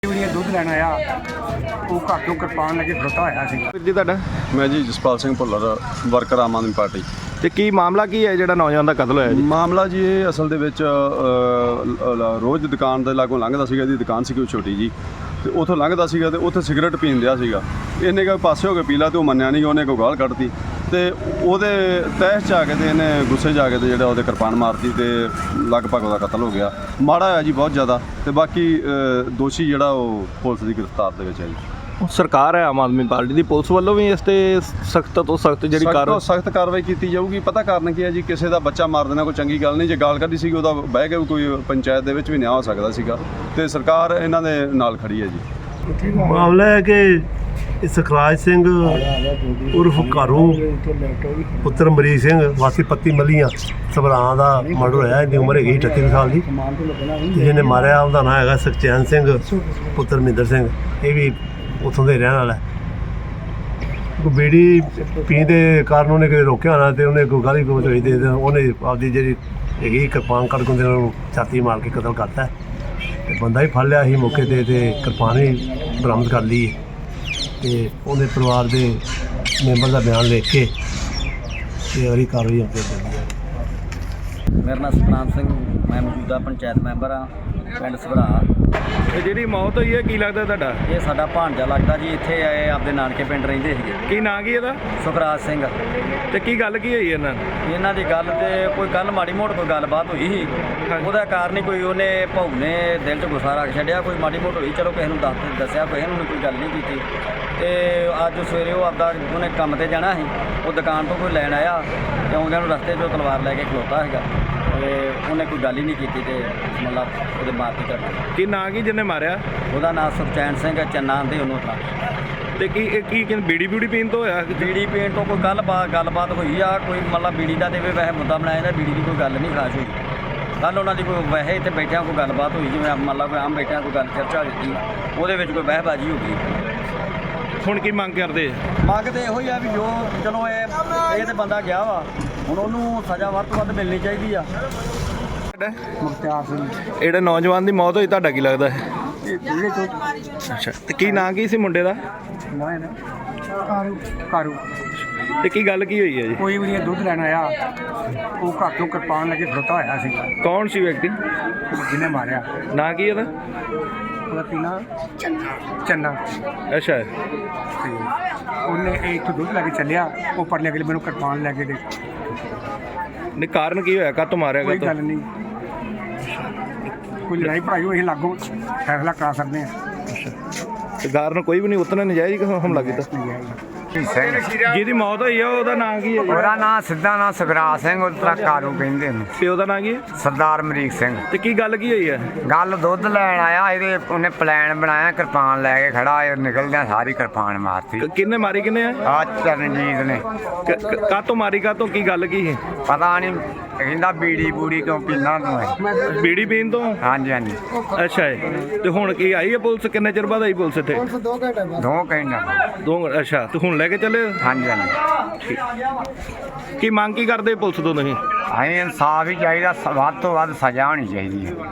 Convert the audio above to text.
ਦੁੱਧ ਲੈਣ ਆਇਆ ਉਹ ਘਰ ਤੋਂ ਕਿਰਪਾਨ ਲੈ ਕੇ ਖੜੋਤਾ ਹੋਇਆ ਸੀ। ਵੀਰ ਜੀ ਤੁਹਾਡਾ? ਮੈਂ ਜੀ ਜਸਪਾਲ ਸਿੰਘ ਭੁੱਲਰ, ਵਰਕਰ ਆਮ ਆਦਮੀ ਪਾਰਟੀ। ਤੇ ਕੀ ਮਾਮਲਾ ਕੀ ਹੈ ਜਿਹੜਾ ਨੌਜਵਾਨ ਦਾ ਕਤਲ ਹੋਇਆ ਜੀ? ਮਾਮਲਾ ਜੀ ਇਹ ਅਸਲ ਦੇ ਵਿੱਚ ਰੋਜ਼ ਦੁਕਾਨ ਦੇ ਲਾਗੋਂ ਲੰਘਦਾ ਸੀਗਾ। ਇਹਦੀ ਦੁਕਾਨ ਸੀ ਕੋਈ ਛੋਟੀ ਜੀ, ਤੇ ਉੱਥੋਂ ਲੰਘਦਾ ਸੀਗਾ ਤੇ ਉੱਥੇ ਸਿਗਰਟ ਪੀਣ ਦਿਆ ਸੀਗਾ। ਇਹਨੇ ਕੋਈ ਪਾਸੇ ਹੋ ਕੇ ਪੀ ਲਾ ਤੇ ਉਹ ਮੰਨਿਆ ਨਹੀਂ, ਉਹਨੇ ਕੋਈ ਗਾਲ ਕੱਢਤੀ ਤੇ ਉਹਦੇ ਤਹਿਸ 'ਚ ਆ ਕੇ ਤੇ ਇਹਨੇ ਗੁੱਸੇ 'ਚ ਆ ਕੇ ਤੇ ਜਿਹੜਾ ਉਹਦੇ ਕਿਰਪਾਨ ਮਾਰਤੀ ਤੇ ਲਗਭਗ ਉਹਦਾ ਕਤਲ ਹੋ ਗਿਆ। ਮਾੜਾ ਹੋਇਆ ਜੀ ਬਹੁਤ ਜ਼ਿਆਦਾ, ਤੇ ਬਾਕੀ ਦੋਸ਼ੀ ਜਿਹੜਾ ਉਹ ਪੁਲਿਸ ਦੀ ਗ੍ਰਿਫਤਾਰ ਦੇ ਵਿੱਚ ਹੈ ਜੀ। ਸਰਕਾਰ ਹੈ ਆਮ ਆਦਮੀ ਪਾਰਟੀ ਦੀ, ਪੁਲਿਸ ਵੱਲੋਂ ਵੀ ਇਸ ਤੇ ਸਖਤ ਤੋਂ ਸਖਤ ਜਿਹੜੀ ਸਖਤ ਕਾਰਵਾਈ ਕੀਤੀ ਜਾਊਗੀ। ਪਤਾ ਕਾਰਨ ਕੀ ਹੈ ਜੀ, ਕਿਸੇ ਦਾ ਬੱਚਾ ਮਾਰ ਦੇਣਾ ਕੋਈ ਚੰਗੀ ਗੱਲ ਨਹੀਂ। ਜੇ ਗਾਲ ਕੱਢੀ ਸੀਗੀ ਉਹਦਾ ਬਹਿ ਕੇ ਕੋਈ ਪੰਚਾਇਤ ਦੇ ਵਿੱਚ ਵੀ ਨਿਆਂ ਹੋ ਸਕਦਾ ਸੀਗਾ, ਤੇ ਸਰਕਾਰ ਇਹਨਾਂ ਦੇ ਨਾਲ ਖੜੀ ਹੈ ਜੀ। ਮਾਮਲਾ ਹੈ ਕਿ ਸੁਖਰਾਜ ਸਿੰਘ ਉਰਫ ਘਾਰੂ ਪੁੱਤਰ ਮਰੀਕ ਸਿੰਘ ਵਾਸੀ ਪੱਤੀ ਮੱਲੀਆਂ ਸਭਰਾਂ ਦਾ ਮਰਡਰ ਹੋਇਆ। ਇਹਦੀ ਉਮਰ ਹੈਗੀ 38 ਸਾਲ ਦੀ, ਤੇ ਜਿਹਨੇ ਮਾਰਿਆ ਉਹਦਾ ਨਾਂ ਹੈਗਾ ਸੁਖਚੈਨ ਸਿੰਘ ਪੁੱਤਰ ਮਹਿੰਦਰ ਸਿੰਘ। ਇਹ ਵੀ ਉੱਥੋਂ ਦੇ ਰਹਿਣ ਵਾਲਾ। ਕੋਈ ਬੀੜੀ ਪੀਣ ਦੇ ਕਾਰਨ ਉਹਨੇ ਕਿਤੇ ਰੋਕਿਆ ਹੋਣਾ ਤੇ ਉਹਨੇ ਕੋਈ ਗਾਲੀ ਗਲੋਚ ਹੋਈ ਤੇ ਉਹਨੇ ਆਪਦੀ ਜਿਹੜੀ ਹੈਗੀ ਕਿਰਪਾਨ ਕੱਢ ਕੇ ਉਹਨੂੰ ਛਾਤੀ ਮਾਰ ਕੇ ਕਤਲ ਕਰਤਾ। ਤੇ ਬੰਦਾ ਹੀ ਫੜ ਲਿਆ ਸੀ ਮੌਕੇ 'ਤੇ, ਤੇ ਕਿਰਪਾਨ ਵੀ ਬਰਾਮਦ ਕਰ ਲਈ। ਤੇ ਉਹਦੇ ਪਰਿਵਾਰ ਦੇ ਮੈਂਬਰ ਦਾ ਬਿਆਨ ਲਿਖ ਕੇ ਤੇ ਉਹਦੀ ਕਾਰਵਾਈ ਅੱਗੇ ਚੱਲਦੀ ਹੈ। ਮੇਰਾ ਨਾਮ ਸਤਨਾਮ ਸਿੰਘ, ਮੈਂ ਮੌਜੂਦਾ ਪੰਚਾਇਤ ਮੈਂਬਰ ਹਾਂ ਪਿੰਡ ਸਭਰਾ। ਇਹ ਜਿਹੜੀ ਮੌਤ ਹੋਈ ਹੈ ਕੀ ਲੱਗਦਾ ਤੁਹਾਡਾ? ਇਹ ਸਾਡਾ ਭਾਣਜਾ ਲੱਗਦਾ ਜੀ। ਇੱਥੇ ਆਏ ਆਪਦੇ ਨਾਨਕੇ ਪਿੰਡ ਰਹਿੰਦੇ ਸੀਗੇ। ਕੀ ਨਾਂ ਕੀ ਇਹਦਾ? ਸੁਖਰਾਜ ਸਿੰਘ। ਤੇ ਕੀ ਗੱਲ ਕੀ ਹੋਈ ਇਹਨਾਂ ਨਾਲ? ਇਹਨਾਂ ਦੀ ਗੱਲ ਤੇ ਕੋਈ ਕੱਲ ਮਾੜੀ ਮੋਟ ਕੋਈ ਗੱਲਬਾਤ ਹੋਈ ਸੀ, ਉਹਦਾ ਕਾਰਨ ਹੀ ਕੋਈ ਉਹਨੇ ਭਾਊ ਨੇ ਦਿਲ 'ਚ ਗੁੱਸਾ ਰੱਖ ਛੱਡਿਆ। ਕੋਈ ਮਾੜੀ ਮੋਟ ਹੋਈ, ਚਲੋ ਕਿਸੇ ਨੂੰ ਦੱਸਿਆ, ਕਿਸੇ ਨੂੰ ਕੋਈ ਗੱਲ ਨਹੀਂ ਕੀਤੀ। ਤੇ ਅੱਜ ਸਵੇਰੇ ਉਹ ਆਪਦਾ ਉਹਨੇ ਕੰਮ ਤੇ ਜਾਣਾ ਸੀ, ਉਹ ਦੁਕਾਨ ਤੋਂ ਕੋਈ ਲੈਣ ਆਇਆ ਤੇ ਆਉਂਦਿਆਂ ਨੂੰ ਰਸਤੇ 'ਚੋਂ ਤਲਵਾਰ ਲੈ ਕੇ ਖਲੋਤਾ ਸੀਗਾ। ਤੇ ਉਹਨੇ ਕੋਈ ਗੱਲ ਹੀ ਨਹੀਂ ਕੀਤੀ ਤੇ ਮਤਲਬ ਉਹਦੇ ਮਾਰਤੀ ਕਰਨਾ। ਕੀ ਨਾਂ ਕੀ ਜਿਹਨੇ ਮਾਰਿਆ? ਉਹਦਾ ਨਾਮ ਸੁਖਚੈਨ ਸਿੰਘ ਚੰਨਾ ਦੇ ਉਹਨੂੰ ਤਾਂ। ਤੇ ਕੀ ਬੀੜੀ ਬੂੜੀ ਪੀਣ ਤੋਂ ਹੋਇਆ? ਬੀੜੀ ਪੀਣ ਤੋਂ ਕੋਈ ਗੱਲਬਾਤ ਹੋਈ ਆ, ਕੋਈ ਮਤਲਬ ਬੀੜੀ ਦਾ ਦੇਵੇ ਵੈਸੇ ਮੁੱਦਾ ਬਣਾਇਆ ਜਾਂਦਾ। ਬੀੜੀ ਦੀ ਕੋਈ ਗੱਲ ਨਹੀਂ ਖਾਸ ਹੋਈ। ਕੱਲ੍ਹ ਉਹਨਾਂ ਦੀ ਕੋਈ ਵੈਸੇ ਇੱਥੇ ਬੈਠਿਆਂ ਕੋਈ ਗੱਲਬਾਤ ਹੋਈ, ਜਿਵੇਂ ਮਤਲਬ ਕੋਈ ਆਮ ਬੈਠਿਆਂ ਕੋਈ ਗੱਲ ਚਰਚਾ ਹੋ ਦਿੱਤੀ, ਉਹਦੇ ਵਿੱਚ ਕੋਈ ਵਹਿਬਾਜੀ ਹੋ ਗਈ। ਹੁਣ ਕੀ ਮੰਗ ਕਰਦੇ? ਮੰਗ ਤੇ ਇਹੋ ਹੀ ਆ ਵੀ ਜੋ ਚਲੋ ਇਹ ਤੇ ਬੰਦਾ ਗਿਆ ਵਾ, ਹੁਣ ਉਹਨੂੰ ਸਜ਼ਾ ਵੱਧ ਤੋਂ ਵੱਧ ਮਿਲਣੀ ਚਾਹੀਦੀ ਆ। ਮੁਖਤਿਆਰ ਸਿੰਘ। ਜਿਹੜਾ ਨੌਜਵਾਨ ਦੀ ਮੌਤ ਹੋਈ ਤੁਹਾਡਾ ਕੀ ਲੱਗਦਾ ਹੈ? ਇਹ ਜਿਹੜੇ ਤੋਂ ਅੱਛਾ, ਤੇ ਕੀ ਨਾਂ ਕੀ ਸੀ ਮੁੰਡੇ ਦਾ? ਨਾ ਕਾਰੂ। ਤੇ ਕੀ ਗੱਲ ਕੀ ਹੋਈ ਹੈ ਜੀ? ਕੋਈ ਵੀ ਦੁੱਧ ਲੈਣ ਆਇਆ ਉਹ ਘਰ ਤੋਂ ਕਿਰਪਾਨ ਲੈ ਕੇ ਖੜੋਤਾ ਹੋਇਆ ਸੀ। ਕੌਣ ਸੀ ਵਿਅਕਤੀ? ਜਿਹਨੇ ਮਾਰਿਆ ਨਾਂ ਕੀ ਇਹਦਾ? ਉਹਦਾ ਪੀਣਾ ਚੰਨਾ। ਅੱਛਾ, ਤੇ ਉਹਨੇ ਇੱਥੋਂ ਦੁੱਧ ਲੈ ਕੇ ਚੱਲਿਆ, ਉਹ ਪਰਲੇ ਅਗਲੇ ਮੈਨੂੰ ਕਿਰਪਾਨ ਲੈ ਕੇ ਦੇ। ਨਹੀਂ ਕਾਰਨ ਕੀ ਹੋਇਆ? ਕਾਹਤੋਂ ਮਾਰਿਆ? ਕੋਈ ਗੱਲ ਨਹੀਂ, ਕੋਈ ਲੜਾਈ ਭੜਾਈ ਹੋਈ ਲਾਗੋਂ ਫੈਸਲਾ ਕਰਾ ਸਕਦੇ ਹਾਂ। ਤੇ ਕਾਰਨ ਕੋਈ ਵੀ ਨਹੀਂ, ਉਤਨਾ ਨਜਾਇਜ਼ ਹਮਲਾ ਕੀਤਾ। ਜਿਹਦੀ ਮੌਤ ਹੋਈ ਆ ਉਹਦਾ ਨਾਂ ਕੀ ਹੈ? ਉਹਦਾ ਨਾਂ ਸਿੱਧਾ ਨਾਂ ਸੁਖਰਾਜ ਸਿੰਘ, ਉਤਰਾ ਕਾਰੂ ਕਹਿੰਦੇ ਨੇ। ਪਿਓ ਦਾ ਨਾਂ ਕੀ ਹੈ? ਸਰਦਾਰ ਮਰੀਕ ਸਿੰਘ। ਤੇ ਕੀ ਗੱਲ ਕੀ ਹੋਈ ਹੈ? ਗੱਲ ਦੁੱਧ ਲੈਣ ਆਇਆ, ਇਹਦੇ ਉਹਨੇ ਪਲਾਨ ਬਣਾਇਆ, ਕਿਰਪਾਨ ਲੈ ਕੇ ਖੜਾ, ਇਹ ਨਿਕਲਦਿਆਂ ਸਾਰੀ ਕਿਰਪਾਨ ਮਾਰਤੀ। ਕਿੰਨੇ ਮਾਰੀ ਕਿੰਨੇ ਆ? ਆ ਚਰਨਜੀਤ ਨੇ। ਕਾਹਤੋਂ ਮਾਰੀ? ਕਾਹਤੋਂ? ਕੀ ਗੱਲ ਕੀ ਹੈ? ਪਤਾ ਨਹੀਂ, ਕਹਿੰਦਾ ਬੀੜੀ ਬੂੜੀ ਕਿਉਂ ਪੀਂਦਾ ਤੂੰ? ਬੀੜੀ ਪੀਣ ਤੋਂ? ਹਾਂਜੀ ਹਾਂਜੀ। ਅੱਛਾ ਤੇ ਹੁਣ ਕੀ ਆਈ ਹੈ ਪੁਲਿਸ? ਕਿੰਨੇ ਚਿਰ ਬਾਅਦ ਆਈ ਪੁਲਿਸ ਇੱਥੇ? 2 ਘੰਟੇ। ਦੋ? ਅੱਛਾ, ਤੇ ਹੁਣ ਲੈ ਕੇ ਚੱਲੇ? ਹਾਂਜੀ ਹਾਂਜੀ। ਕੀ ਮੰਗ ਕੀ ਕਰਦੇ ਪੁਲਿਸ ਤੋਂ ਤੁਸੀਂ? ਅਸੀਂ ਇਨਸਾਫ ਹੀ ਚਾਹੀਦਾ, ਵੱਧ ਤੋਂ ਵੱਧ ਸਜ਼ਾ ਹੋਣੀ ਚਾਹੀਦੀ ਹੈ।